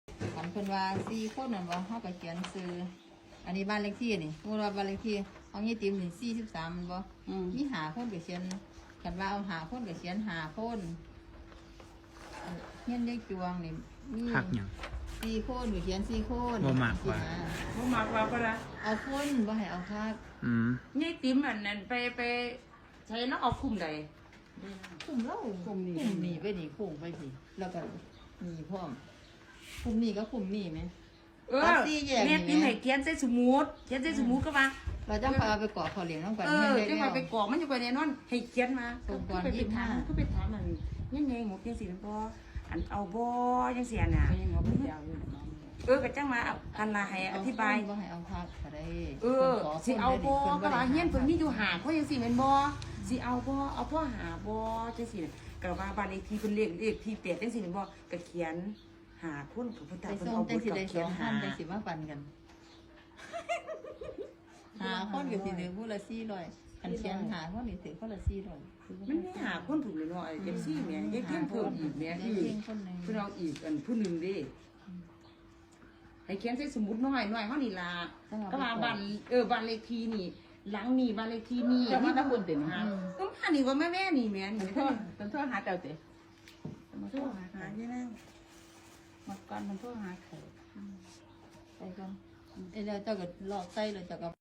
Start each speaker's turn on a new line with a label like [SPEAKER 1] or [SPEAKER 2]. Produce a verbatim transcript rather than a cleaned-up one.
[SPEAKER 1] อันเพิ่นว่าสี่คนนั่นบ่เฮาก็เขียนซื้ออันนี้บ้านเลขที่นี่สมมุติว่าบ้านเลขที่ของยี่ติ๋มนี่สี่สิบสามมันบ่มีหาคนก็เขียนคันว่าเอาหาคนก็เขียนหาคนเฮียนยายจวงนี่มี
[SPEAKER 2] คักหยัง
[SPEAKER 1] สี่คนก็เขียนสี่คน
[SPEAKER 2] บ่มักว่า
[SPEAKER 3] บ่มักว่าก็ละ
[SPEAKER 1] เอาคนบ่ให้เอาคัก
[SPEAKER 2] อืม
[SPEAKER 3] ยายติ๋มอันนั้นไปไปใช้แล้วเอาคุ้มใด
[SPEAKER 1] คุมเล่า
[SPEAKER 3] คุมนี่
[SPEAKER 1] คุมนี่ไปนี่คุมไปสิแล้วก็นี่พร้อมคุมนี่ก็คุมนี่ไหม
[SPEAKER 3] เออ
[SPEAKER 1] ตัดสี่แยกนี่
[SPEAKER 3] แม่ติ๋มให้เขียนใส่สมุดเขียนใส่สมุดก็ว่า
[SPEAKER 1] เราจะพาไปเกาะเขาเหลียงน้องกัน
[SPEAKER 3] เออจังว่าไปกรอกมันจะไปแน่นอนให้เขียนมา
[SPEAKER 1] ส่งก่อน
[SPEAKER 3] ก็ไป
[SPEAKER 1] ยี่สิบ
[SPEAKER 3] ถา
[SPEAKER 1] ห้า
[SPEAKER 3] มก็ไปถามมันยังไงหมดยังสิบ่อันเอาบ่ยังเสียน่ะ
[SPEAKER 4] ก็ยังเอาไปเจ้าอยู่น้อง
[SPEAKER 3] เออก็จังมาอันละให้อธิบาย
[SPEAKER 1] บ่ให้เอาคักก็ได้
[SPEAKER 3] เออสิเอาบ่ก็ว่าเฮียนเพิ่นมีอยู่หาเพราะจังซี่แม่นบ่สิเอาบ่เอาพ่อหาบ่จังซี่ก็ว่าบ้านเลขที่เพิ่นเลขเลขที่แปดจังซี่แม่นบ่ก็เขียนหาคนกับเพิ่น
[SPEAKER 1] ไป
[SPEAKER 3] ตาเพิ่น
[SPEAKER 1] ส่ง
[SPEAKER 3] เอา
[SPEAKER 1] จั
[SPEAKER 3] บ่
[SPEAKER 1] งสิ
[SPEAKER 3] ก็
[SPEAKER 1] ได้ส
[SPEAKER 3] เขีย
[SPEAKER 1] อน งพั
[SPEAKER 3] หาน
[SPEAKER 1] จังสิมาปันกันหาคนก็สิได้ผู้ละสี่ร้อยคันเขียนหาคนนี่ถือคนละสี่ร้อย
[SPEAKER 3] มันมีหาคนถูกเลยเนาะไอ้เอฟซีแม่ยายเพียงเพิ่มอีกแม่
[SPEAKER 1] ได้
[SPEAKER 3] คือ
[SPEAKER 1] เพียงคนหนึง
[SPEAKER 3] เพิ่นเอาอีกอันผู้หนึงเด้ให้เขียนใส่สมุดน้อยน้อยเฮานี่ล่ะก็ว่าบ้านเออบ้านเลขที่นี่หลังนี่บ้านเลขที่นี่
[SPEAKER 4] เจ้ามาตะบุญติ
[SPEAKER 3] หาก็มานี่ว่าแม่แม่นี่แม่นี่
[SPEAKER 4] มันโทษมันโทษหาเจ้าติมันโท
[SPEAKER 3] โท
[SPEAKER 4] ษ
[SPEAKER 3] ษ
[SPEAKER 4] หา
[SPEAKER 3] หา
[SPEAKER 4] หา
[SPEAKER 3] ที่นั่ง
[SPEAKER 4] มาก่อนมันโทษหาเขา
[SPEAKER 1] ไปก่อนเอ้ยแล้วเจ้าก็ลอกใส่แล้วเจ้าก็